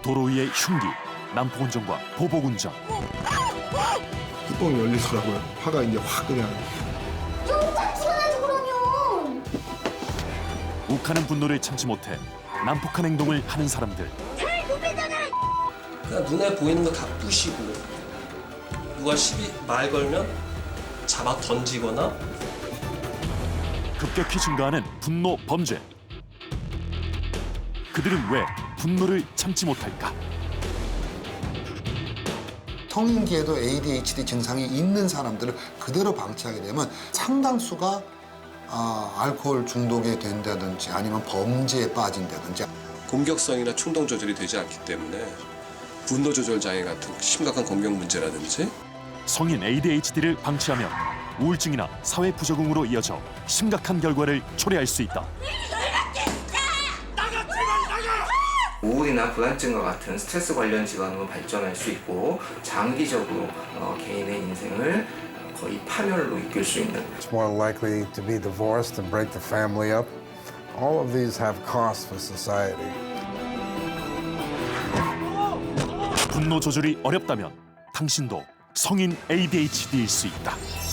도로 위의 흉기, 난폭운전과 보복운전. 뚜껑이 열리더라고요. 화가 이제 확 그냥. 영장 찍어야지 그러면. 욱하는 분노를 참지 못해 난폭한 행동을 하는 사람들. 그냥 눈에 보이는 거 다 부시고 누가 시비 말 걸면 잡아 던지거나 급격히 증가하는 분노 범죄. 그들은 왜 분노를 참지 못할까? 성인기에도 ADHD 증상이 있는 사람들을 그대로 방치하게 되면 상당수가 알코올 중독에 된다든지 아니면 범죄에 빠진다든지. 공격성이나 충동 조절이 되지 않기 때문에 분노 조절 장애 같은 심각한 건강 문제라든지 성인 ADHD를 방치하면 우울증이나 사회 부적응으로 이어져 심각한 결과를 초래할 수 있다. 우울이나 불안증과 같은 스트레스 관련 질환으로 발전할 수 있고 장기적으로 개인의 인생을 거의 파멸로 이끌 수 있는. It's more likely to be divorced and break the family up. All of these have costs for society. 분노 조절이 어렵다면 당신도 성인 ADHD일 수 있다.